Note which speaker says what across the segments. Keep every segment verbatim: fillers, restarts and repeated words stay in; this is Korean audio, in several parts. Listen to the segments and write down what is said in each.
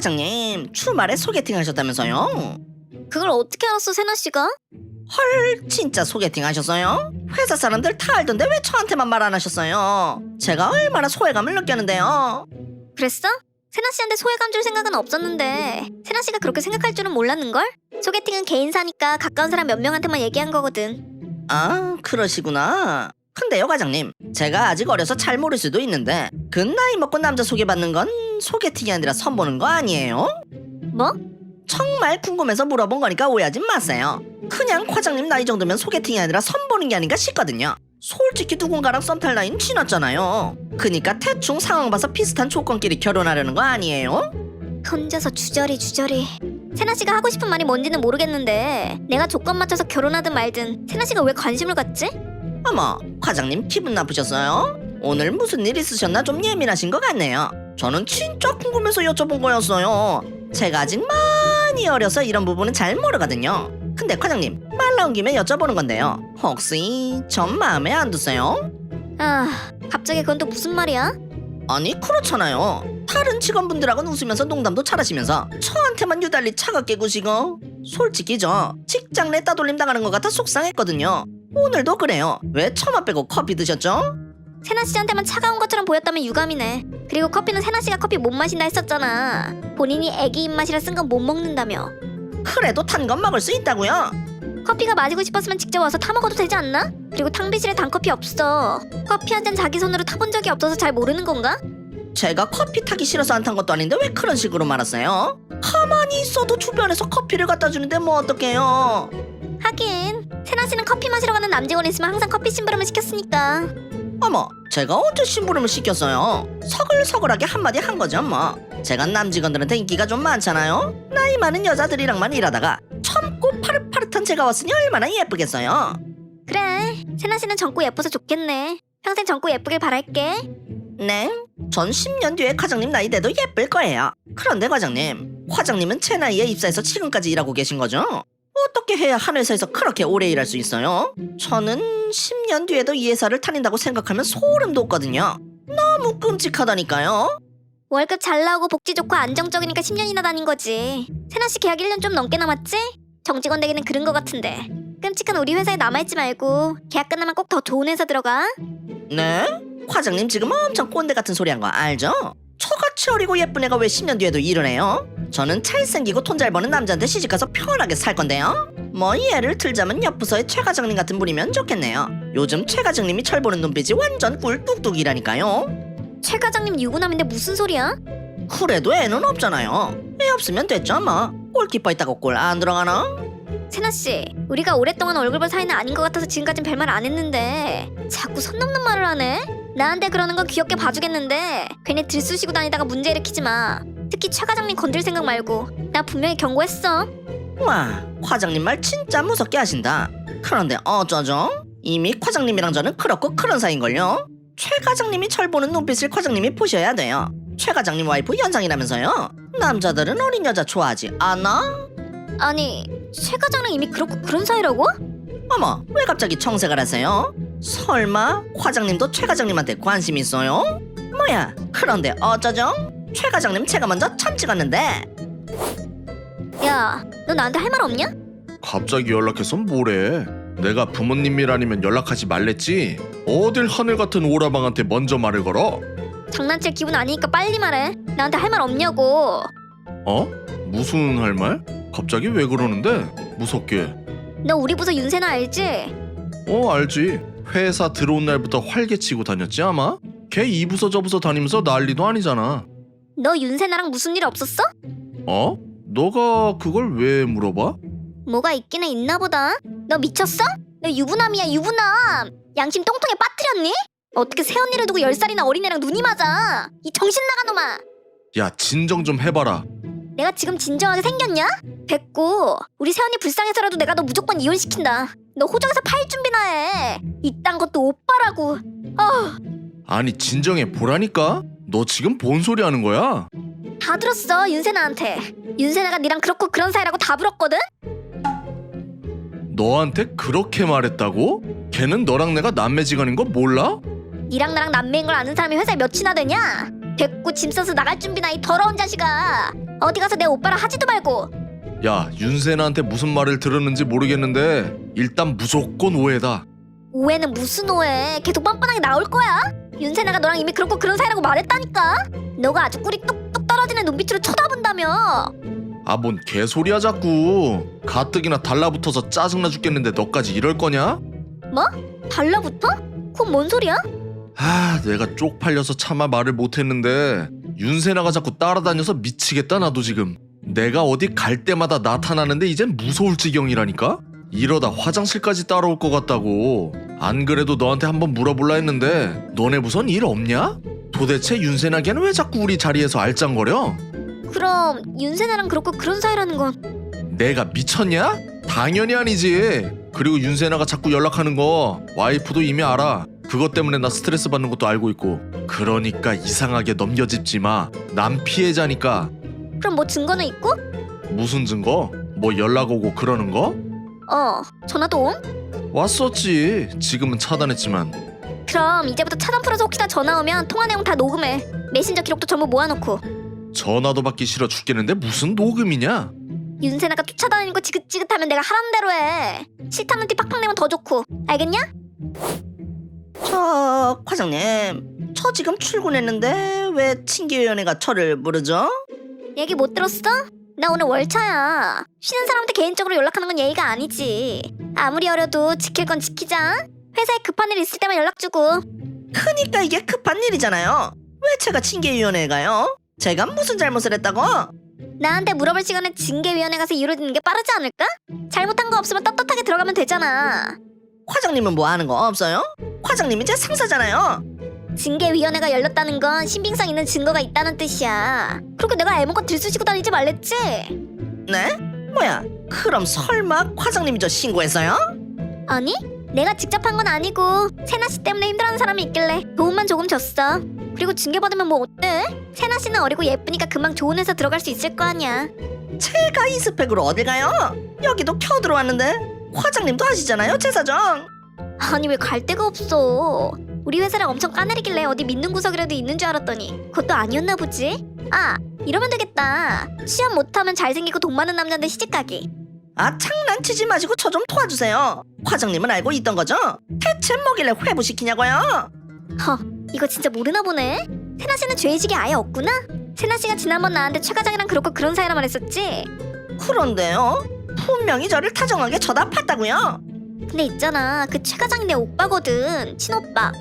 Speaker 1: 과장님 주말에 소개팅 하셨다면서요?
Speaker 2: 그걸 어떻게 알았어, 세나씨가?
Speaker 1: 헐, 진짜 소개팅 하셨어요? 회사 사람들 다 알던데 왜 저한테만 말 안 하셨어요? 제가 얼마나 소외감을 느꼈는데요.
Speaker 2: 그랬어? 세나씨한테 소외감 줄 생각은 없었는데 세나씨가 그렇게 생각할 줄은 몰랐는걸? 소개팅은 개인사니까 가까운 사람 몇 명한테만 얘기한 거거든.
Speaker 1: 아, 그러시구나. 근데요 과장님, 제가 아직 어려서 잘 모를 수도 있는데 그 나이 먹고 남자 소개받는 건 소개팅이 아니라 선보는 거 아니에요?
Speaker 2: 뭐?
Speaker 1: 정말 궁금해서 물어본 거니까 오해하지 마세요. 그냥 과장님 나이 정도면 소개팅이 아니라 선보는 게 아닌가 싶거든요. 솔직히 누군가랑 썸 탈 나이는 지났잖아요. 그니까 대충 상황 봐서 비슷한 조건끼리 결혼하려는 거 아니에요?
Speaker 2: 혼자서 주저리 주저리. 세나씨가 하고 싶은 말이 뭔지는 모르겠는데 내가 조건 맞춰서 결혼하든 말든 세나씨가 왜 관심을 갖지?
Speaker 1: 어머, 과장님 기분 나쁘셨어요? 오늘 무슨 일 있으셨나 좀 예민하신 것 같네요. 저는 진짜 궁금해서 여쭤본 거였어요. 제가 아직 많이 어려서 이런 부분은 잘 모르거든요. 근데 과장님, 말 나온 김에 여쭤보는 건데요. 혹시 전 마음에 안 드세요?
Speaker 2: 아, 갑자기 그건 또 무슨 말이야?
Speaker 1: 아니 그렇잖아요. 다른 직원분들하고는 웃으면서 농담도 잘하시면서 저한테만 유달리 차갑게 구시고. 솔직히 저 직장 내 따돌림 당하는 것 같아 속상했거든요. 오늘도 그래요. 왜 처마 빼고 커피 드셨죠?
Speaker 2: 세나씨한테만 차가운 것처럼 보였다면 유감이네. 그리고 커피는 세나씨가 커피 못 마신다 했었잖아. 본인이 애기 입맛이라 쓴 건 못 먹는다며.
Speaker 1: 그래도 탄 건 먹을 수 있다고요.
Speaker 2: 커피가 마시고 싶었으면 직접 와서 타 먹어도 되지 않나? 그리고 탕비실에 단커피 없어. 커피 한 잔 자기 손으로 타본 적이 없어서 잘 모르는 건가?
Speaker 1: 제가 커피 타기 싫어서 안 탄 것도 아닌데 왜 그런 식으로 말하세요? 가만히 있어도 주변에서 커피를 갖다 주는데 뭐 어떡해요.
Speaker 2: 하긴 세나씨는 커피 마시러 가는 남직원 있으면 항상 커피 심부름을 시켰으니까.
Speaker 1: 어머, 제가 언제 심부름을 시켰어요? 서글서글하게 한마디 한 거죠 뭐. 제가 남직원들한테 인기가 좀 많잖아요. 나이 많은 여자들이랑만 일하다가 젊고 파릇파릇한 제가 왔으니 얼마나 예쁘겠어요.
Speaker 2: 그래, 세나씨는 젊고 예뻐서 좋겠네. 평생 젊고 예쁘길 바랄게.
Speaker 1: 네? 전 십 년 뒤에 과장님 나이 돼도 예쁠 거예요. 그런데 과장님, 과장님은 제 나이에 입사해서 지금까지 일하고 계신 거죠? 어떻게 해야 한 회사에서 그렇게 오래 일할 수 있어요? 저는 십 년 뒤에도 이 회사를 다닌다고 생각하면 소름 돋거든요. 너무 끔찍하다니까요.
Speaker 2: 월급 잘 나오고 복지 좋고 안정적이니까 십 년이나 다닌 거지. 세나씨 계약 일 년 좀 넘게 남았지? 정직원 되기는 그런 거 같은데. 끔찍한 우리 회사에 남아있지 말고 계약 끝나면 꼭 더 좋은 회사 들어가.
Speaker 1: 네? 과장님 지금 엄청 꼰대 같은 소리 한 거 알죠? 저같이 어리고 예쁜 애가 왜 십 년 뒤에도 일을 해요? 저는 잘생기고 돈 잘 버는 남자한테 시집가서 편하게 살 건데요. 뭐 예를 들자면 옆 부서의 최 과장님 같은 분이면 좋겠네요. 요즘 최 과장님이 철 보는 눈빛이 완전 꿀 뚝뚝이라니까요.
Speaker 2: 최 과장님 유부남인데 무슨 소리야?
Speaker 1: 그래도 애는 없잖아요. 애 없으면 됐죠 뭐. 골키퍼 있다고 골 안 들어가나?
Speaker 2: 세나씨, 우리가 오랫동안 얼굴 볼 사이는 아닌 것 같아서 지금까진 별말 안 했는데 자꾸 선 넘는 말을 하네? 나한테 그러는 건 귀엽게 봐주겠는데 괜히 들쑤시고 다니다가 문제 일으키지 마. 특히 최 과장님 건들 생각 말고. 나 분명히 경고했어.
Speaker 1: 와, 과장님 말 진짜 무섭게 하신다. 그런데 어쩌죠? 이미 과장님이랑 저는 그렇고 그런 사이인걸요. 최 과장님이 철 보는 눈빛을 과장님이 보셔야 돼요. 최 과장님 와이프 연상이라면서요. 남자들은 어린 여자 좋아하지 않아?
Speaker 2: 아니, 최 과장랑 이미 그렇고 그런 사이라고?
Speaker 1: 어머, 왜 갑자기 청색을 하세요? 설마 과장님도 최 과장님한테 관심 있어요? 뭐야, 그런데 어쩌죠? 최 과장님 제가 먼저 참 찍었는데.
Speaker 2: 야, 너 나한테 할 말 없냐?
Speaker 3: 갑자기 연락해서 뭐래? 내가 부모님이라니면 연락하지 말랬지? 어딜 하늘 같은 오라방한테 먼저 말을 걸어?
Speaker 2: 장난칠 기분 아니니까 빨리 말해. 나한테 할 말 없냐고.
Speaker 3: 어? 무슨 할 말? 갑자기 왜 그러는데? 무섭게.
Speaker 2: 너 우리 부서 윤세나 알지?
Speaker 3: 어, 알지. 회사 들어온 날부터 활개치고 다녔지 아마? 걔 이 부서 저 부서 다니면서 난리도 아니잖아.
Speaker 2: 너 윤세나랑 무슨 일 없었어?
Speaker 3: 어? 너가 그걸 왜 물어봐?
Speaker 2: 뭐가 있기는 있나 보다. 너 미쳤어? 너 유부남이야, 유부남. 양심 똥통에 빠뜨렸니? 어떻게 새언니를 두고 열 살이나 어린애랑 눈이 맞아? 이 정신 나간 놈아.
Speaker 3: 야, 진정 좀 해봐라.
Speaker 2: 내가 지금 진정하게 생겼냐? 됐고, 우리 새언니 불쌍해서라도 내가 너 무조건 이혼시킨다. 너 호적에서 파일 준비나 해. 이딴 것도 오빠라고. 어,
Speaker 3: 아니 진정해 보라니까? 너 지금 뭔 소리 하는 거야?
Speaker 2: 다 들었어, 윤세나한테. 윤세나가 니랑 그렇고 그런 사이라고 다 불었거든?
Speaker 3: 너한테 그렇게 말했다고? 걔는 너랑 내가 남매지간인 거 몰라?
Speaker 2: 니랑 나랑 남매인 걸 아는 사람이 회사에 몇이나 되냐? 됐고 짐 싸서 나갈 준비나 이 더러운 자식아. 어디 가서 내 오빠라 하지도 말고.
Speaker 3: 야, 윤세나한테 무슨 말을 들었는지 모르겠는데 일단 무조건 오해다.
Speaker 2: 오해는 무슨 오해? 계속 뻔뻔하게 나올 거야? 윤세나가 너랑 이미 그렇고 그런 사이라고 말했다니까. 너가 아주 꿀이 뚝뚝 떨어지는 눈빛으로 쳐다본다며.
Speaker 3: 아, 뭔 개소리야 자꾸. 가뜩이나 달라붙어서 짜증나 죽겠는데 너까지 이럴 거냐?
Speaker 2: 뭐? 달라붙어? 그건 뭔 소리야?
Speaker 3: 아, 내가 쪽팔려서 차마 말을 못했는데 윤세나가 자꾸 따라다녀서 미치겠다. 나도 지금 내가 어디 갈 때마다 나타나는데 이젠 무서울 지경이라니까? 이러다 화장실까지 따라올 것 같다고. 안 그래도 너한테 한번 물어볼라 했는데 너네 무슨 일 없냐? 도대체 윤세나 걔는 왜 자꾸 우리 자리에서 알짱거려?
Speaker 2: 그럼 윤세나랑 그렇고 그런 사이라는 건
Speaker 3: 내가 미쳤냐? 당연히 아니지. 그리고 윤세나가 자꾸 연락하는 거 와이프도 이미 알아. 그것 때문에 나 스트레스 받는 것도 알고 있고. 그러니까 이상하게 넘겨짚지 마. 난 피해자니까.
Speaker 2: 그럼 뭐 증거는 있고?
Speaker 3: 무슨 증거? 뭐 연락 오고 그러는 거?
Speaker 2: 어, 전화도 옴?
Speaker 3: 왔었지. 지금은 차단했지만.
Speaker 2: 그럼 이제부터 차단 풀어서 혹시나 전화 오면 통화 내용 다 녹음해. 메신저 기록도 전부 모아놓고.
Speaker 3: 전화도 받기 싫어 죽겠는데 무슨 녹음이냐?
Speaker 2: 윤세나가 쫓아다니는 거 지긋지긋하면 내가 하라는 대로 해. 싫다는 티 팍팍 내면 더 좋고. 알겠냐?
Speaker 1: 저 과장님, 저 지금 출근했는데 왜 칭기위원회가 저를 부르죠?
Speaker 2: 얘기 못 들었어? 나 오늘 월차야. 쉬는 사람한테 개인적으로 연락하는 건 예의가 아니지. 아무리 어려도 지킬 건 지키자. 회사에 급한 일 있을 때만 연락 주고.
Speaker 1: 그니까 이게 급한 일이잖아요. 왜 제가 칭기위원회에 가요? 제가 무슨 잘못을 했다고?
Speaker 2: 나한테 물어볼 시간에 징계위원회 가서 이루어지는 게 빠르지 않을까? 잘못한 거 없으면 떳떳하게 들어가면 되잖아.
Speaker 1: 과장님은 뭐 하는 거 없어요? 과장님이 제 상사잖아요.
Speaker 2: 징계위원회가 열렸다는 건 신빙성 있는 증거가 있다는 뜻이야. 그렇게 내가 애먹고 들쑤시고 다니지 말랬지?
Speaker 1: 네? 뭐야? 그럼 설마 과장님이 저 신고했어요?
Speaker 2: 아니, 내가 직접 한 건 아니고 세나씨 때문에 힘들어하는 사람이 있길래 도움만 조금 줬어. 그리고 징계받으면 뭐 어때? 세나씨는 어리고 예쁘니까 금방 좋은 회사 들어갈 수 있을 거 아니야.
Speaker 1: 제가 이 스펙으로 어딜 가요? 여기도 켜 들어왔는데 과장님도 아시잖아요, 제 사정.
Speaker 2: 아니 왜 갈 데가 없어. 우리 회사를 엄청 까내리길래 어디 믿는 구석이라도 있는 줄 알았더니 그것도 아니었나 보지? 아, 이러면 되겠다. 시험 못하면 잘생기고 돈 많은 남자인데 시집가기.
Speaker 1: 아, 장난치지 마시고 저 좀 도와주세요. 과장님은 알고 있던 거죠? 대체 뭐길래 회부시키냐고요?
Speaker 2: 허, 이거 진짜 모르나 보네. 세나씨는 죄의식이 아예 없구나? 세나씨가 지난번 나한테 최 과장이랑 그렇고 그런 사이라 말했었지?
Speaker 1: 그런데요? 분명히 저를 다정하게 쳐다 봤다고요?
Speaker 2: 근데 있잖아, 그 최 과장이 내 오빠거든. 친오빠.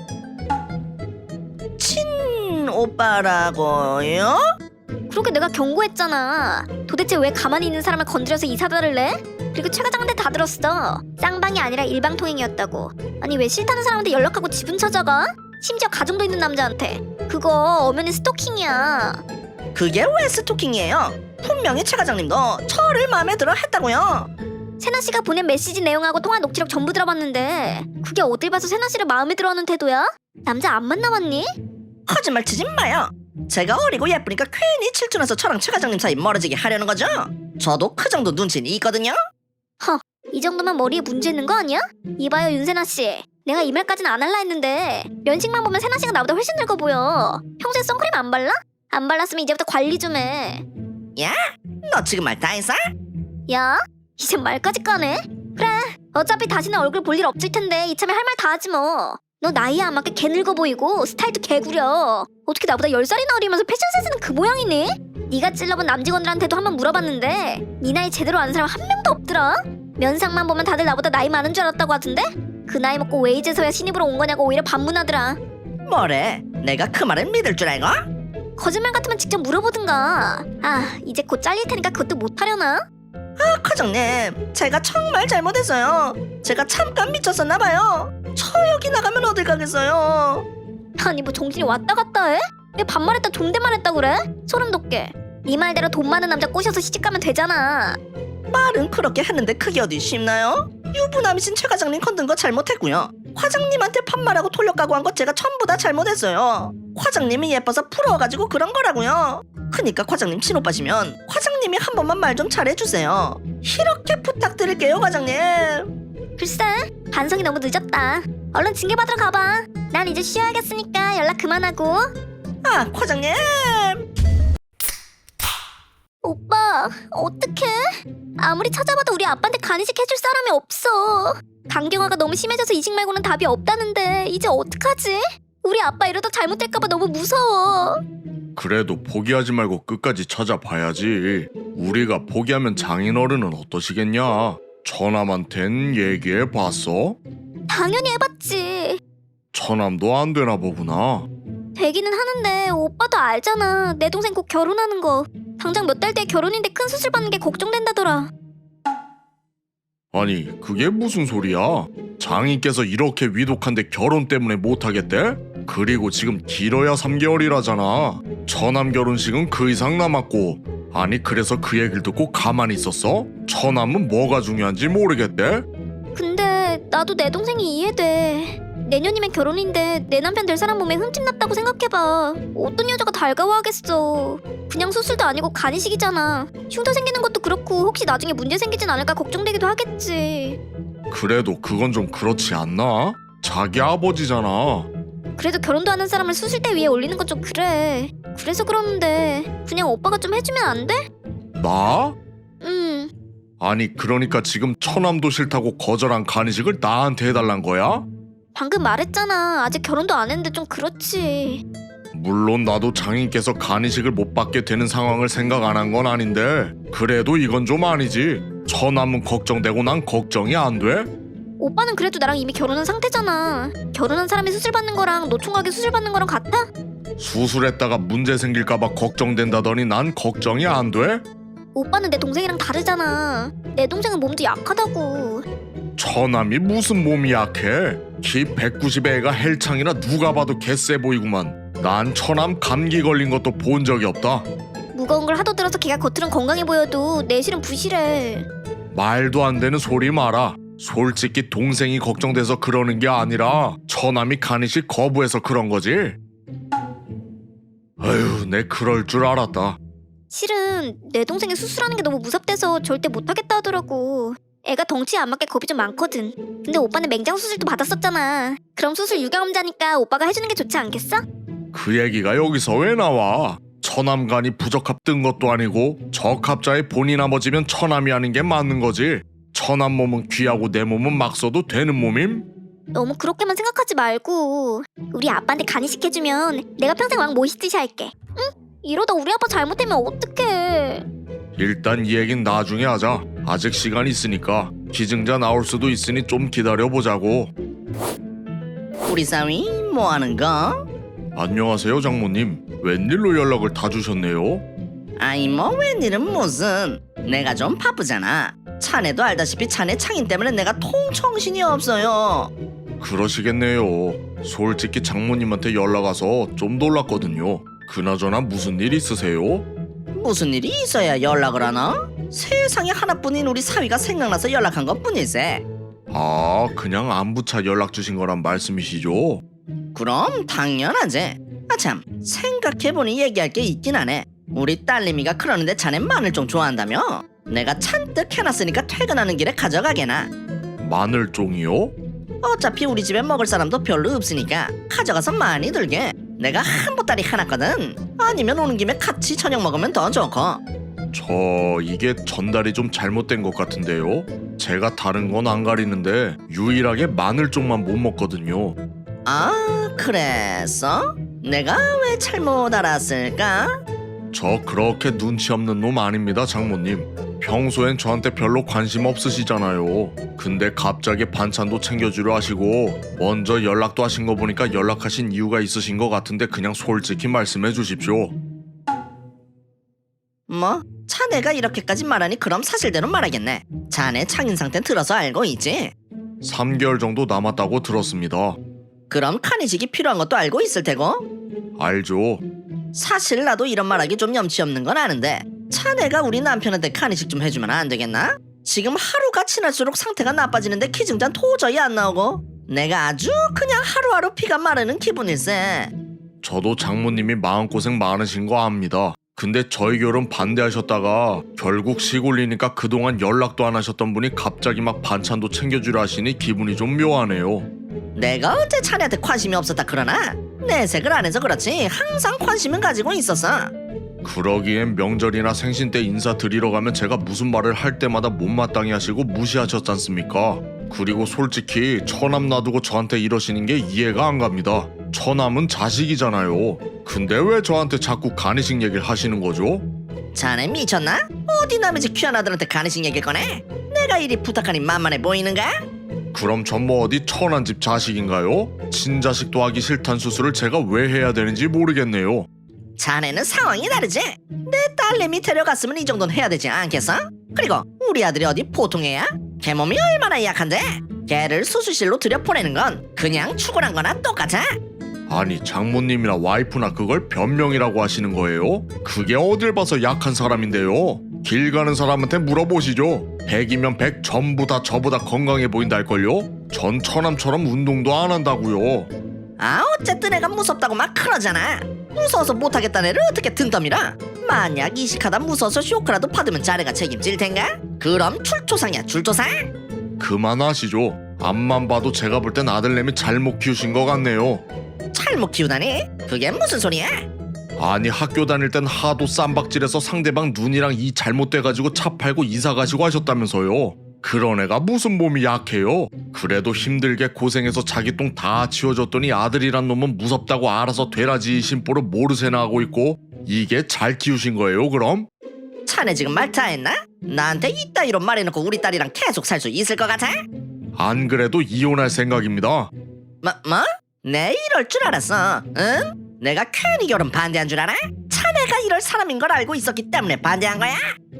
Speaker 1: 친오빠라고요?
Speaker 2: 그렇게 내가 경고했잖아. 도대체 왜 가만히 있는 사람을 건드려서 이사다를 내? 그리고 최 과장한테 다 들었어. 쌍방이 아니라 일방통행이었다고. 아니 왜 싫다는 사람한테 연락하고 집은 찾아가? 심지어 가정도 있는 남자한테. 그거 엄연히 스토킹이야.
Speaker 1: 그게 왜 스토킹이에요? 분명히 최 과장님도 저를 마음에 들어 했다고요.
Speaker 2: 세나씨가 보낸 메시지 내용하고 통화 녹취록 전부 들어봤는데 그게 어딜 봐서 세나씨를 마음에 들어하는 태도야? 남자 안 만나봤니?
Speaker 1: 거짓말 치지 마요. 제가 어리고 예쁘니까 괜히 질투나서 저랑 최 과장님 사이 멀어지게 하려는 거죠? 저도 그 정도 눈치는 있거든요.
Speaker 2: 허, 이 정도면 머리에 문제 있는 거 아니야? 이봐요 윤세나씨, 내가 이 말까지는 안 할라 했는데 면식만 보면 세나씨가 나보다 훨씬 늙어 보여. 평소에 선크림 안 발라? 안 발랐으면 이제부터 관리 좀 해.
Speaker 1: 야, 너 지금 말 다 했어?
Speaker 2: 야, 이제 말까지 까네? 그래, 어차피 다시는 얼굴 볼 일 없을 텐데 이참에 할 말 다 하지 뭐. 너 나이에 안 맞게 개 늙어 보이고 스타일도 개 구려. 어떻게 나보다 열 살이나 어리면서 패션 센스는 그 모양이니? 네가 찔러본 남직원들한테도 한번 물어봤는데 네 나이 제대로 아는 사람 한 명도 없더라. 면상만 보면 다들 나보다 나이 많은 줄 알았다고 하던데? 그 나이 먹고 왜 이제서야 신입으로 온 거냐고 오히려 반문하더라.
Speaker 1: 뭐래? 내가 그 말을 믿을 줄 알고?
Speaker 2: 거짓말 같으면 직접 물어보든가. 아, 이제 곧 잘릴 테니까 그것도 못하려나?
Speaker 1: 아, 과장님, 제가 정말 잘못했어요. 제가 잠깐 미쳤었나 봐요. 저 여기 나가면 어딜 가겠어요?
Speaker 2: 아니 뭐 정신이 왔다 갔다 해? 왜 반말했다 존댓말했다 그래? 소름 돋게. 네 말대로 돈 많은 남자 꼬셔서 시집가면 되잖아.
Speaker 1: 말은 그렇게 했는데 그게 어디 쉽나요? 유부남이신 최 과장님 건든 거 잘못했고요. 과장님한테 반말하고 돌려가고 한 거 제가 전부 다 잘못했어요. 과장님이 예뻐서 부러워가지고 그런 거라고요. 그니까 과장님 친오빠시면 과장님이 한 번만 말 좀 잘해주세요. 이렇게 부탁드릴게요, 과장님.
Speaker 2: 글쎄, 반성이 너무 늦었다. 얼른 징계받으러 가봐. 난 이제 쉬어야겠으니까 연락 그만하고.
Speaker 1: 아, 과장님.
Speaker 2: 오빠 오빠 어떡해? 아무리 찾아봐도 우리 아빠한테 간이식 해줄 사람이 없어. 강경화가 너무 심해져서 이식 말고는 답이 없다는데 이제 어떡하지? 우리 아빠 이러다 잘못될까봐 너무 무서워.
Speaker 3: 그래도 포기하지 말고 끝까지 찾아봐야지. 우리가 포기하면 장인어른은 어떠시겠냐? 처남한텐 얘기해봤어?
Speaker 2: 당연히 해봤지.
Speaker 3: 처남도 안 되나 보구나.
Speaker 2: 되기는 하는데 오빠도 알잖아. 내 동생 곧 결혼하는 거. 당장 몇 달 뒤에 결혼인데 큰 수술 받는 게 걱정된다더라.
Speaker 3: 아니 그게 무슨 소리야? 장인께서 이렇게 위독한데 결혼 때문에 못하겠대? 그리고 지금 길어야 삼 개월이라잖아. 처남 결혼식은 그 이상 남았고. 아니 그래서 그 얘기를 듣고 가만히 있었어? 처남은 뭐가 중요한지 모르겠대?
Speaker 2: 근데 나도 내 동생이 이해돼. 내년이면 결혼인데 내 남편 될 사람 몸에 흠집 났다고 생각해봐. 어떤 여자가 달가워하겠어. 그냥 수술도 아니고 간이식이잖아. 흉터 생기는 것도 그렇고 혹시 나중에 문제 생기진 않을까 걱정되기도 하겠지.
Speaker 3: 그래도 그건 좀 그렇지 않나? 자기 아버지잖아.
Speaker 2: 그래도 결혼도 하는 사람을 수술대 위에 올리는 건 좀 그래. 그래서 그러는데 그냥 오빠가 좀 해주면 안 돼?
Speaker 3: 나?
Speaker 2: 응.
Speaker 3: 아니 그러니까 지금 처남도 싫다고 거절한 간이식을 나한테 해달란 거야?
Speaker 2: 방금 말했잖아. 아직 결혼도 안 했는데 좀 그렇지.
Speaker 3: 물론 나도 장인께서 간이식을 못 받게 되는 상황을 생각 안 한 건 아닌데 그래도 이건 좀 아니지. 처남은 걱정되고 난 걱정이 안 돼?
Speaker 2: 오빠는 그래도 나랑 이미 결혼한 상태잖아. 결혼한 사람이 수술 받는 거랑 노총각이 수술 받는 거랑 같아?
Speaker 3: 수술했다가 문제 생길까봐 걱정된다더니 난 걱정이 안 돼?
Speaker 2: 오빠는 내 동생이랑 다르잖아. 내 동생은 몸도 약하다고.
Speaker 3: 처남이 무슨 몸이 약해? 키 백구십의 애가 헬창이라 누가 봐도 개쎄 보이구만. 난 처남 감기 걸린 것도 본 적이 없다.
Speaker 2: 무거운 걸 하도 들어서 걔가 겉으론 건강해 보여도 내실은 부실해.
Speaker 3: 말도 안 되는 소리 마라. 솔직히 동생이 걱정돼서 그러는 게 아니라 처남이 간이식 거부해서 그런 거지. 아휴, 내 그럴 줄 알았다.
Speaker 2: 실은 내 동생이 수술하는 게 너무 무섭대서 절대 못하겠다 하더라고. 애가 덩치에 안 맞게 겁이 좀 많거든. 근데 오빠는 맹장 수술도 받았었잖아. 그럼 수술 유경험자니까 오빠가 해주는 게 좋지 않겠어?
Speaker 3: 그 얘기가 여기서 왜 나와? 처남간이 부적합 뜬 것도 아니고 적합자의 본이 나머지면 처남이 하는 게 맞는 거지. 처남 몸은 귀하고 내 몸은 막 써도 되는 몸임?
Speaker 2: 너무 그렇게만 생각하지 말고 우리 아빠한테 간이식 해주면 내가 평생 왕 모시듯이 할게. 응? 이러다 우리 아빠 잘못되면 어떡해.
Speaker 3: 일단 이 얘긴 나중에 하자. 아직 시간 있으니까. 기증자 나올 수도 있으니 좀 기다려보자고.
Speaker 1: 우리 사위 뭐하는 거?
Speaker 3: 안녕하세요 장모님. 웬일로 연락을 다 주셨네요?
Speaker 1: 아이 뭐 웬일은 무슨. 내가 좀 바쁘잖아. 자네도 알다시피 자네 창인 때문에 내가 통정신이 없어요.
Speaker 3: 그러시겠네요. 솔직히 장모님한테 연락 와서 좀 놀랐거든요. 그나저나 무슨 일 있으세요?
Speaker 1: 무슨 일이 있어야 연락을 하나? 세상에 하나뿐인 우리 사위가 생각나서 연락한 것뿐일세.
Speaker 3: 아, 그냥 안부차 연락 주신 거란 말씀이시죠?
Speaker 1: 그럼 당연하지. 아참 생각해보니 얘기할 게 있긴 하네. 우리 딸내미가 그러는데 자네 마늘종 좋아한다며? 내가 잔뜩 해놨으니까 퇴근하는 길에 가져가게나.
Speaker 3: 마늘종이요?
Speaker 1: 어차피 우리 집에 먹을 사람도 별로 없으니까 가져가서 많이 들게. 내가 한 보따리 해놨거든. 아니면 오는 김에 같이 저녁 먹으면 더 좋고.
Speaker 3: 저 이게 전달이 좀 잘못된 것 같은데요? 제가 다른 건 안 가리는데 유일하게 마늘종만 못 먹거든요.
Speaker 1: 아 그랬어? 내가 왜 잘못 알았을까?
Speaker 3: 저 그렇게 눈치 없는 놈 아닙니다 장모님. 평소엔 저한테 별로 관심 없으시잖아요. 근데 갑자기 반찬도 챙겨주려 하시고 먼저 연락도 하신 거 보니까 연락하신 이유가 있으신 것 같은데 그냥 솔직히 말씀해 주십시오.
Speaker 1: 뭐? 자네가 이렇게까지 말하니 그럼 사실대로 말하겠네. 자네 창인 상태는 들어서 알고 있지?
Speaker 3: 삼 개월 정도 남았다고 들었습니다.
Speaker 1: 그럼 간이식이 필요한 것도 알고 있을 테고.
Speaker 3: 알죠.
Speaker 1: 사실 나도 이런 말하기 좀 염치 없는 건 아는데 자네가 우리 남편한테 간이식 좀 해주면 안 되겠나? 지금 하루가 지날수록 상태가 나빠지는데 기증자는 도저히 안 나오고 내가 아주 그냥 하루하루 피가 마르는 기분일세.
Speaker 3: 저도 장모님이 마음고생 많으신 거 압니다. 근데 저희 결혼 반대하셨다가 결국 시골리니까 그동안 연락도 안 하셨던 분이 갑자기 막 반찬도 챙겨주려 하시니 기분이 좀 묘하네요.
Speaker 1: 내가 언제 자네한테 관심이 없었다 그러나? 내색을 안 해서 그렇지 항상 관심은 가지고 있었어.
Speaker 3: 그러기엔 명절이나 생신 때 인사드리러 가면 제가 무슨 말을 할 때마다 못마땅해 하시고 무시하셨잖습니까? 그리고 솔직히 처남 놔두고 저한테 이러시는 게 이해가 안 갑니다. 처남은 자식이잖아요. 근데 왜 저한테 자꾸 간이식 얘기를 하시는 거죠?
Speaker 1: 자네 미쳤나? 어디 남의 집 귀한 아들한테 간이식 얘기를 꺼내? 내가 이리 부탁하니 만만해 보이는가?
Speaker 3: 그럼 전 뭐 어디 천한 집 자식인가요? 친자식도 하기 싫단 수술을 제가 왜 해야 되는지 모르겠네요.
Speaker 1: 자네는 상황이 다르지? 내 딸내미 데려갔으면 이 정도는 해야 되지 않겠어? 그리고 우리 아들이 어디 보통 애야? 걔 몸이 얼마나 약한데? 걔를 수술실로 들여보내는 건 그냥 추구란 거나 똑같아.
Speaker 3: 아니 장모님이나 와이프나 그걸 변명이라고 하시는 거예요? 그게 어딜 봐서 약한 사람인데요? 길 가는 사람한테 물어보시죠. 백이면 백 전부 다 저보다 건강해 보인달걸요? 전 처남처럼 운동도 안 한다고요.
Speaker 1: 아 어쨌든 애가 무섭다고 막 그러잖아. 무서워서 못하겠다는 애를 어떻게 등 떠밀어? 만약 이식하다 무서워서 쇼크라도 받으면 자네가 책임질 텐가? 그럼 출조상이야 출조상.
Speaker 3: 그만하시죠. 앞만 봐도 제가 볼 땐 아들내미 잘못 키우신 것 같네요.
Speaker 1: 잘못 키우다니? 그게 무슨 소리야?
Speaker 3: 아니 학교 다닐 땐 하도 쌈박질해서 상대방 눈이랑 이 잘못돼가지고 차 팔고 이사 가시고 하셨다면서요. 그런 애가 무슨 몸이 약해요. 그래도 힘들게 고생해서 자기 똥 다 치워줬더니 아들이란 놈은 무섭다고 알아서 되라지 심보를 모르세나 하고 있고, 이게 잘 키우신 거예요 그럼?
Speaker 1: 자네 지금 말 다 했나? 나한테 이따위로 말해놓고 우리 딸이랑 계속 살 수 있을 것 같아?
Speaker 3: 안 그래도 이혼할 생각입니다.
Speaker 1: 뭐? 뭐? 내 이럴 줄 알았어. 응? 내가 괜히 결혼 반대한 줄 알아? 자네가 이럴 사람인 걸 알고 있었기 때문에 반대한 거야?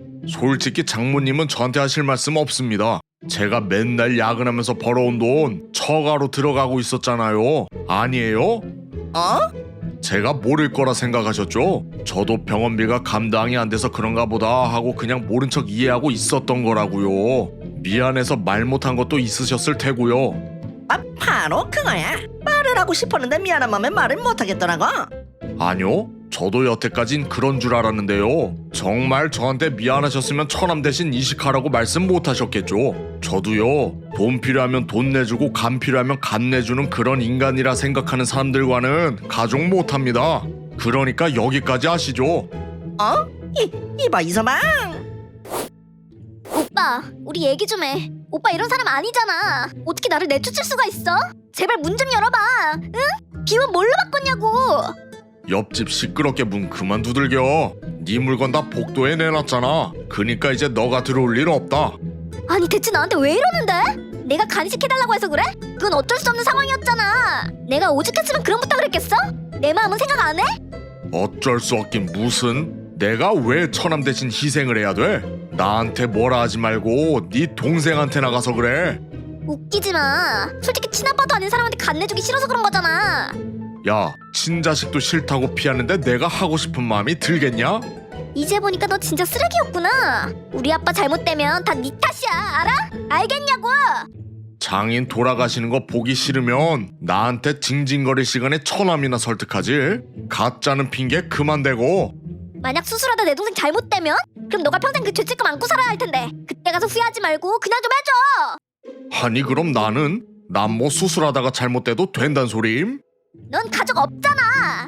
Speaker 3: 솔직히 장모님은 저한테 하실 말씀 없습니다. 제가 맨날 야근하면서 벌어온 돈 처가로 들어가고 있었잖아요. 아니에요?
Speaker 1: 어?
Speaker 3: 제가 모를 거라 생각하셨죠? 저도 병원비가 감당이 안 돼서 그런가 보다 하고 그냥 모른 척 이해하고 있었던 거라고요. 미안해서 말 못한 것도 있으셨을 테고요.
Speaker 1: 아, 바로 그거야. 말을 하고 싶었는데 미안한 마음에 말을 못하겠더라고.
Speaker 3: 아니요, 저도 여태까진 그런 줄 알았는데요. 정말 저한테 미안하셨으면 처남 대신 이식하라고 말씀 못하셨겠죠. 저도요, 돈 필요하면 돈 내주고 간 필요하면 간 내주는 그런 인간이라 생각하는 사람들과는 가족 못합니다. 그러니까 여기까지 하시죠.
Speaker 1: 어? 이, 이봐 이서방.
Speaker 2: 오빠, 우리 얘기 좀 해. 오빠 이런 사람 아니잖아. 어떻게 나를 내쫓을 수가 있어? 제발 문 좀 열어봐. 응? 비원 뭘로 바꿨냐고.
Speaker 3: 옆집 시끄럽게 문 그만 두들겨. 네 물건 다 복도에 내놨잖아. 그니까 이제 너가 들어올 일 없다.
Speaker 2: 아니 대체 나한테 왜 이러는데? 내가 간식 해달라고 해서 그래? 그건 어쩔 수 없는 상황이었잖아. 내가 오죽했으면 그런 부탁을 했겠어? 내 마음은 생각 안 해?
Speaker 3: 어쩔 수 없긴 무슨. 내가 왜 처남 대신 희생을 해야 돼? 나한테 뭐라 하지 말고 네 동생한테 나가서 그래.
Speaker 2: 웃기지 마. 솔직히 친아빠도 아닌 사람한테 간 내주기 싫어서 그런 거잖아.
Speaker 3: 야, 친자식도 싫다고 피하는데 내가 하고 싶은 마음이 들겠냐?
Speaker 2: 이제 보니까 너 진짜 쓰레기였구나. 우리 아빠 잘못되면 다 네 탓이야. 알아? 알겠냐고.
Speaker 3: 장인 돌아가시는 거 보기 싫으면 나한테 징징거릴 시간에 처남이나 설득하지. 가짜는 핑계 그만 대고.
Speaker 2: 만약 수술하다 내 동생 잘못되면? 그럼 너가 평생 그 죄책감 안고 살아야 할 텐데. 그때 가서 후회하지 말고 그냥 좀 해줘.
Speaker 3: 아니 그럼 나는? 난 뭐 수술하다가 잘못돼도 된단 소리임?
Speaker 2: 넌 가족 없잖아.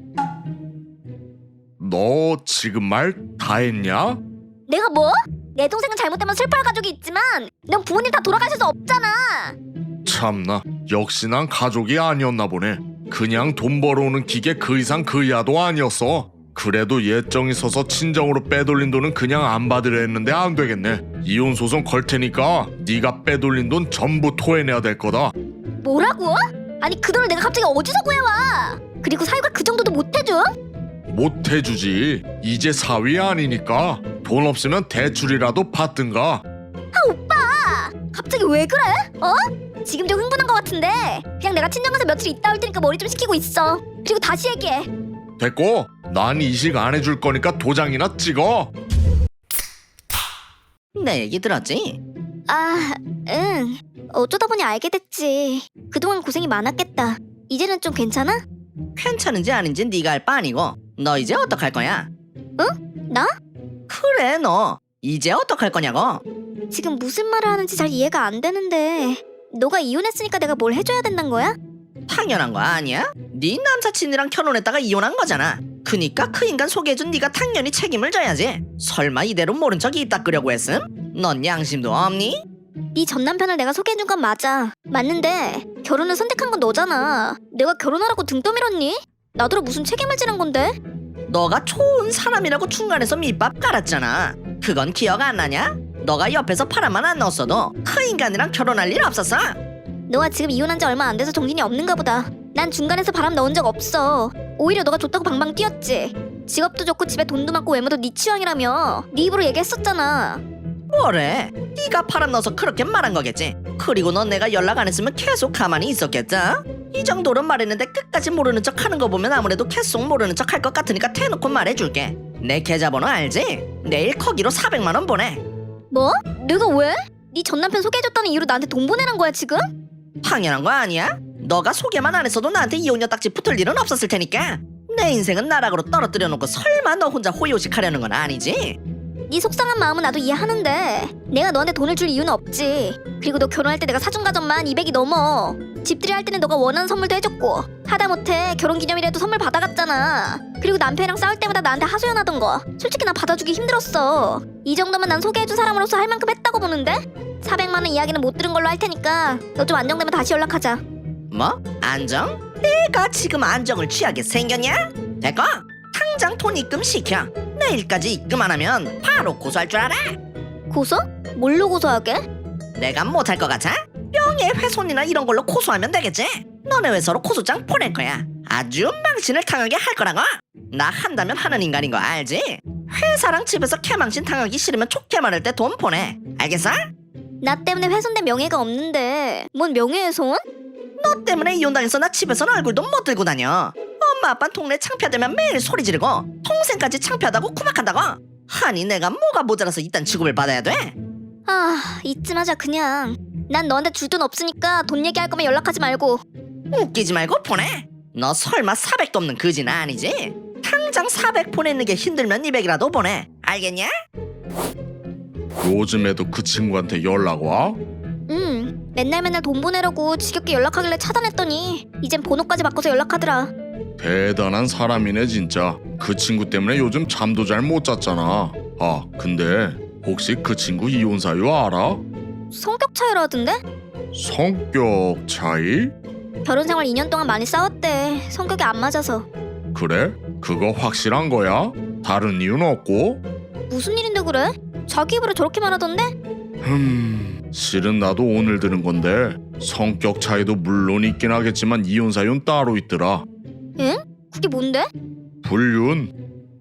Speaker 3: 너 지금 말 다 했냐?
Speaker 2: 내가 뭐? 내 동생은 잘못되면 슬퍼할 가족이 있지만 넌 부모님 다 돌아가셔서 없잖아.
Speaker 3: 참나, 역시 난 가족이 아니었나 보네. 그냥 돈 벌어오는 기계 그 이상 그 이하도 아니었어. 그래도 예정이 서서 친정으로 빼돌린 돈은 그냥 안 받으려 했는데 안 되겠네. 이혼 소송 걸 테니까 네가 빼돌린 돈 전부 토해내야 될 거다.
Speaker 2: 뭐라고? 아니 그 돈을 내가 갑자기 어디서 구해와? 그리고 사유가 그 정도도 못 해줘?
Speaker 3: 못 해주지. 이제 사위 아니니까. 돈 없으면 대출이라도 받든가.
Speaker 2: 아 오빠! 갑자기 왜 그래? 어? 지금 좀 흥분한 것 같은데 그냥 내가 친정 가서 며칠 있다 올 테니까 머리 좀 식히고 있어. 그리고 다시 얘기해.
Speaker 3: 됐고, 난 이식 안 해줄 거니까 도장이나 찍어.
Speaker 1: 내 얘기 들었지?
Speaker 2: 아, 응. 어쩌다 보니 알게 됐지. 그동안 고생이 많았겠다. 이제는 좀 괜찮아?
Speaker 1: 괜찮은지 아닌지 네가 알 바 아니고. 너 이제 어떡할 거야?
Speaker 2: 나?
Speaker 1: 그래 너 이제 어떡할 거냐고.
Speaker 2: 지금 무슨 말을 하는지 잘 이해가 안 되는데 너가 이혼했으니까 내가 뭘 해줘야 된다는 거야?
Speaker 1: 당연한 거 아니야? 네 남사친이랑 결혼했다가 이혼한 거잖아. 그니까 그 인간 소개해준 네가 당연히 책임을 져야지. 설마 이대로 모른 척 입 닦으려고 했음? 넌 양심도 없니?
Speaker 2: 네 전 남편을 내가 소개해준 건 맞아. 맞는데 결혼을 선택한 건 너잖아. 내가 결혼하라고 등 떠밀었니? 나더러 무슨 책임을 지는 건데?
Speaker 1: 너가 좋은 사람이라고 중간에서 밑밥 깔았잖아. 그건 기억 안 나냐? 너가 옆에서 바람만 안 넣었어도 그 인간이랑 결혼할 일 없었어.
Speaker 2: 너가 지금 이혼한 지 얼마 안 돼서 정신이 없는가 보다. 난 중간에서 바람 넣은 적 없어. 오히려 너가 좋다고 방방 뛰었지. 직업도 좋고 집에 돈도 많고 외모도 네 취향이라며 네 입으로 얘기했었잖아.
Speaker 1: 뭐래? 네가 바람 넣어서 그렇게 말한 거겠지. 그리고 넌 내가 연락 안 했으면 계속 가만히 있었겠다. 이 정도로 말했는데 끝까지 모르는 척 하는 거 보면 아무래도 계속 모르는 척 할 것 같으니까 대놓고 말해줄게. 내 계좌번호 알지? 내일 거기로 사백만 원 보내.
Speaker 2: 뭐? 내가 왜? 네 전 남편 소개해줬다는 이유로 나한테 돈 보내는 거야 지금?
Speaker 1: 당연한 거 아니야? 너가 소개만 안 했어도 나한테 이혼녀 딱지 붙을 일은 없었을 테니까. 내 인생은 나락으로 떨어뜨려 놓고 설마 너 혼자 호요식하려는 건 아니지?
Speaker 2: 네 속상한 마음은 나도 이해하는데 내가 너한테 돈을 줄 이유는 없지. 그리고 너 결혼할 때 내가 사준 가전만 이백이 넘어. 집들이 할 때는 너가 원하는 선물도 해줬고 하다못해 결혼기념일에도 선물 받아갔잖아. 그리고 남편이랑 싸울 때마다 나한테 하소연하던 거 솔직히 나 받아주기 힘들었어. 이 정도면 난 소개해준 사람으로서 할 만큼 했다고 보는데? 사백만 원 이야기는 못 들은 걸로 할 테니까 너 좀 안정되면 다시 연락하자.
Speaker 1: 뭐? 안정? 내가 지금 안정을 취하게 생겼냐? 됐고 당장 돈 입금 시켜. 내일까지 입금 안 하면 바로 고소할 줄 알아?
Speaker 2: 고소? 뭘로 고소하게?
Speaker 1: 내가 못할 것 같아? 명예훼손이나 이런 걸로 고소하면 되겠지? 너네 회사로 고소장 보낼 거야. 아주 망신을 당하게 할 거라고. 나 한다면 하는 인간인 거 알지? 회사랑 집에서 개망신 당하기 싫으면 좋게 말할 때 돈 보내. 알겠어?
Speaker 2: 나 때문에 훼손된 명예가 없는데 뭔 명예훼손?
Speaker 1: 너 때문에 이혼당해서 나 집에서는 얼굴도 못 들고 다녀. 엄마 아빠는 동네 창피하다면 매일 소리 지르고 동생까지 창피하다고 구박한다고. 아니 내가 뭐가 모자라서 이딴 취급을 받아야 돼?
Speaker 2: 아 이쯤 하자 그냥. 난 너한테 줄 돈 없으니까 돈 얘기할 거면 연락하지 말고.
Speaker 1: 웃기지 말고 보내. 너 설마 사백도 없는 그지는 아니지? 당장 사백 보내는 게 힘들면 이백이라도 보내. 알겠냐?
Speaker 3: 요즘에도 그 친구한테 연락 와?
Speaker 2: 응 맨날 맨날 돈 보내려고 지겹게 연락하길래 차단했더니 이젠 번호까지 바꿔서 연락하더라.
Speaker 3: 대단한 사람이네 진짜. 그 친구 때문에 요즘 잠도 잘 못 잤잖아. 아 근데 혹시 그 친구 이혼 사유 알아?
Speaker 2: 성격 차이라던데?
Speaker 3: 성격 차이?
Speaker 2: 결혼 생활 이 년 동안 많이 싸웠대. 성격이 안 맞아서.
Speaker 3: 그래? 그거 확실한 거야? 다른 이유는 없고?
Speaker 2: 무슨 일인데 그래? 자기 입으로 저렇게 말하던데?
Speaker 3: 흠... 실은 나도 오늘 들은 건데 성격 차이도 물론 있긴 하겠지만 이혼 사유는 따로 있더라.
Speaker 2: 응? 그게 뭔데?
Speaker 3: 불륜.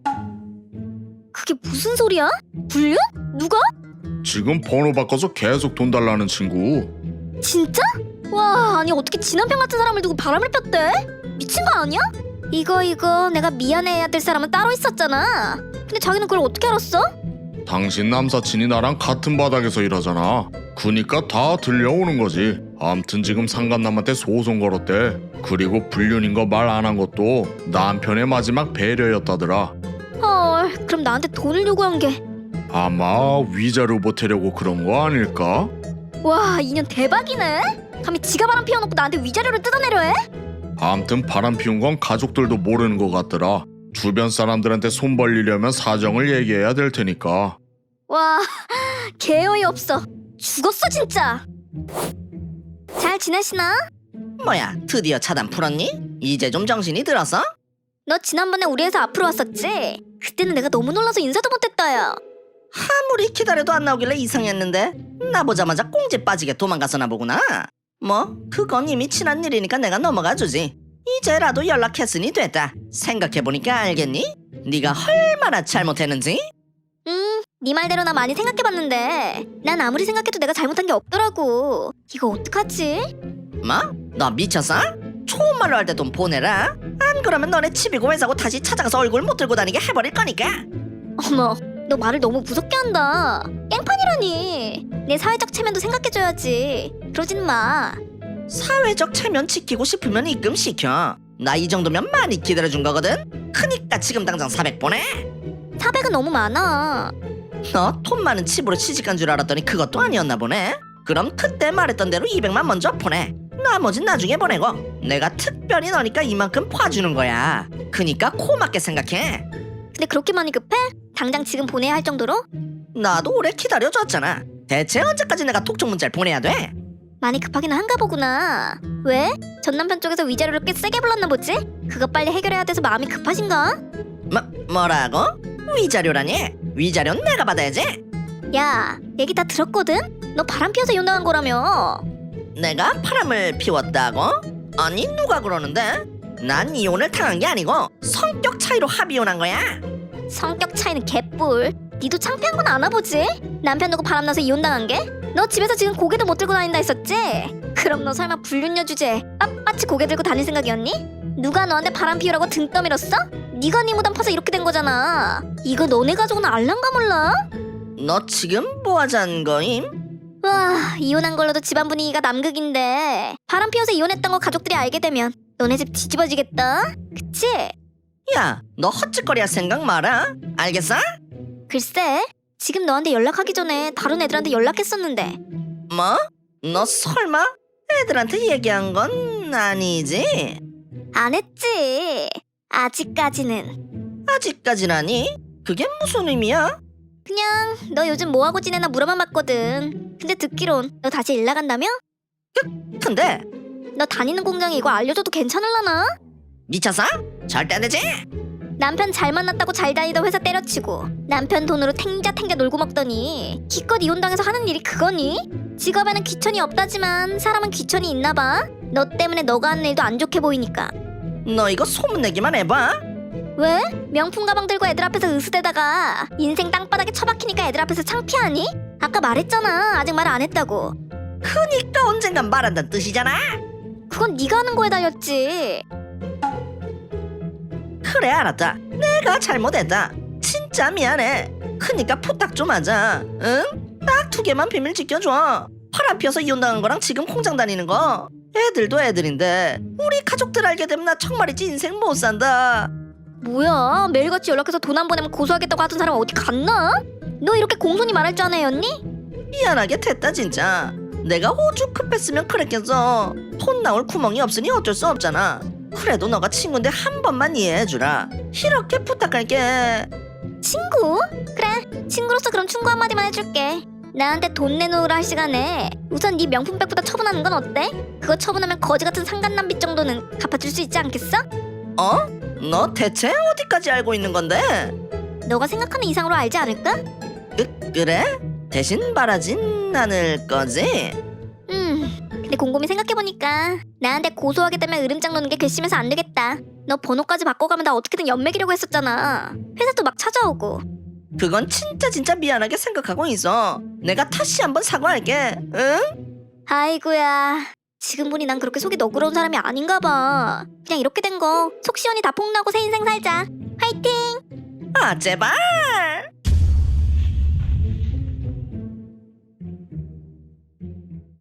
Speaker 2: 그게 무슨 소리야? 불륜? 누가?
Speaker 3: 지금 번호 바꿔서 계속 돈 달라는 친구.
Speaker 2: 진짜? 와 아니 어떻게 지 남편 같은 사람을 두고 바람을 폈대? 미친 거 아니야? 이거 이거 내가 미안해해야 될 사람은 따로 있었잖아. 근데 자기는 그걸 어떻게 알았어?
Speaker 3: 당신 남사친이 나랑 같은 바닥에서 일하잖아. 그니까 다 들려오는 거지. 암튼 지금 상간남한테 소송 걸었대. 그리고 불륜인 거 말 안 한 것도 남편의 마지막 배려였다더라.
Speaker 2: 헐 그럼 나한테 돈을 요구한 게.
Speaker 3: 아마 위자료 보태려고 그런 거 아닐까?
Speaker 2: 와 인연 대박이네. 감히 지가 바람 피워놓고 나한테 위자료를 뜯어내려 해?
Speaker 3: 암튼 바람 피운 건 가족들도 모르는 것 같더라. 주변 사람들한테 손 벌리려면 사정을 얘기해야 될 테니까.
Speaker 2: 와 개어이 없어. 죽었어 진짜. 잘 지내시나?
Speaker 1: 뭐야 드디어 차단 풀었니? 이제 좀 정신이 들었어?
Speaker 2: 너 지난번에 우리 회사 앞으로 왔었지? 그때는 내가 너무 놀라서 인사도 못했다 야.
Speaker 1: 아무리 기다려도 안 나오길래 이상했는데 나 보자마자 꽁지 빠지게 도망갔었나 보구나. 뭐 그건 이미 지난 일이니까 내가 넘어가 주지. 이제라도 연락했으니 됐다. 생각해보니까 알겠니? 네가 얼마나 잘못했는지?
Speaker 2: 음, 네 말대로 나 많이 생각해봤는데 난 아무리 생각해도 내가 잘못한 게 없더라고. 이거 어떡하지?
Speaker 1: 뭐? 너 미쳤어? 좋은 말로 할 때 돈 보내라. 안 그러면 너네 집이고 회사고 다시 찾아가서 얼굴 못 들고 다니게 해버릴 거니까.
Speaker 2: 어머, 너 말을 너무 무섭게 한다. 깽판이라니. 내 사회적 체면도 생각해줘야지. 그러진 마.
Speaker 1: 사회적 체면 지키고 싶으면 입금시켜. 나 이 정도면 많이 기다려준 거거든. 크니까 지금 당장 사백 보내.
Speaker 2: 사백은 너무 많아.
Speaker 1: 너 돈 많은 집으로 시집간 줄 알았더니 그것도 아니었나 보네. 그럼 그때 말했던 대로 이백만 먼저 보내. 나머진 나중에 보내고 내가 특별히 너니까 이만큼 봐주는 거야. 그니까 코 맞게 생각해.
Speaker 2: 근데 그렇게 많이 급해? 당장 지금 보내야 할 정도로?
Speaker 1: 나도 오래 기다려줬잖아. 대체 언제까지 내가 톡촉 문자를 보내야 돼?
Speaker 2: 많이 급하긴 한가 보구나. 왜? 전 남편 쪽에서 위자료를 꽤 세게 불렀나 보지? 그거 빨리 해결해야 돼서 마음이 급하신가?
Speaker 1: 뭐, 뭐라고? 위자료라니? 위자료는 내가 받아야지.
Speaker 2: 야, 얘기 다 들었거든? 너 바람 피워서 이혼당한 거라며.
Speaker 1: 내가 바람을 피웠다고? 아니 누가 그러는데? 난 이혼을 당한 게 아니고 성격 차이로 합의 이혼한 거야.
Speaker 2: 성격 차이는 개뿔. 니도 창피한 건 아나 보지? 남편 두고 바람나서 이혼당한 게? 너 집에서 지금 고개도 못 들고 다닌다 했었지? 그럼 너 설마 불륜녀 주제에 빳빳이 고개 들고 다닐 생각이었니? 누가 너한테 바람 피우라고 등 떠밀었어? 네가 네 무덤 파서 이렇게 된 거잖아. 이거 너네 가족은 알란가 몰라?
Speaker 1: 너 지금 뭐 하자는 거임?
Speaker 2: 와, 이혼한 걸로도 집안 분위기가 남극인데 바람 피워서 이혼했던 거 가족들이 알게 되면 너네 집 뒤집어지겠다. 그치?
Speaker 1: 야, 너 헛짓거리 할 생각 마라. 알겠어?
Speaker 2: 글쎄, 지금 너한테 연락하기 전에 다른 애들한테 연락했었는데.
Speaker 1: 뭐? 너 설마 애들한테 얘기한 건 아니지?
Speaker 2: 안 했지. 아직까지는.
Speaker 1: 아직까지라니? 그게 무슨 의미야?
Speaker 2: 그냥 너 요즘 뭐하고 지내나 물어만 봤거든. 근데 듣기론 너 다시 일 나간다며?
Speaker 1: 근데
Speaker 2: 너 다니는 공장에 이거 알려줘도 괜찮을라나?
Speaker 1: 미쳤어? 절대 안 되지?
Speaker 2: 남편 잘 만났다고 잘 다니던 회사 때려치고 남편 돈으로 탱자탱자 놀고 먹더니 기껏 이혼당해서 하는 일이 그거니? 직업에는 귀천이 없다지만 사람은 귀천이 있나봐. 너 때문에 너가 하는 일도 안 좋게 보이니까.
Speaker 1: 너 이거 소문내기만 해봐.
Speaker 2: 왜? 명품 가방 들고 애들 앞에서 으스대다가 인생 땅바닥에 처박히니까 애들 앞에서 창피하니? 아까 말했잖아. 아직 말 안 했다고.
Speaker 1: 그니까 언젠간 말한다는 뜻이잖아.
Speaker 2: 그건 네가 하는 거에 달렸지.
Speaker 1: 그래 알았다. 내가 잘못했다. 진짜 미안해. 그니까 부탁 좀 하자. 응? 딱 두 개만 비밀 지켜줘. 바람 피워서 이혼당한 거랑 지금 공장 다니는 거. 애들도 애들인데 우리 가족들 알게 되면 나 정말이지 인생 못 산다.
Speaker 2: 뭐야? 매일같이 연락해서 돈 안 보내면 고소하겠다고 하던 사람 어디 갔나? 너 이렇게 공손히 말할 줄 아는 애였니?
Speaker 1: 미안하게 됐다 진짜. 내가 오죽 급했으면 그랬겠어. 돈 나올 구멍이 없으니 어쩔 수 없잖아. 그래도 너가 친구인데 한 번만 이해해주라. 이렇게 부탁할게.
Speaker 2: 친구? 그래, 친구로서 그럼 충고 한마디만 해줄게. 나한테 돈 내놓으라 할 시간에 우선 네 명품백보다 처분하는 건 어때? 그거 처분하면 거지 같은 상간남빚 정도는 갚아줄 수 있지 않겠어?
Speaker 1: 어? 너 대체 어디까지 알고 있는 건데?
Speaker 2: 너가 생각하는 이상으로 알지 않을까?
Speaker 1: 그, 그래? 대신 말하진 않을 거지?
Speaker 2: 음, 근데 곰곰이 생각해보니까 나한테 고소하겠다면 으름장 놓는 게 괘씸해서 안 되겠다. 너 번호까지 바꿔가면 나 어떻게든 연맥이려고 했었잖아. 회사도 막 찾아오고.
Speaker 1: 그건 진짜 진짜 미안하게 생각하고 있어. 내가 다시 한번 사과할게. 응?
Speaker 2: 아이고야, 지금 보니 난 그렇게 속이 너그러운 사람이 아닌가 봐. 그냥 이렇게 된 거 속 시원히 다 폭로하고 새 인생 살자. 화이팅!
Speaker 1: 아 제발.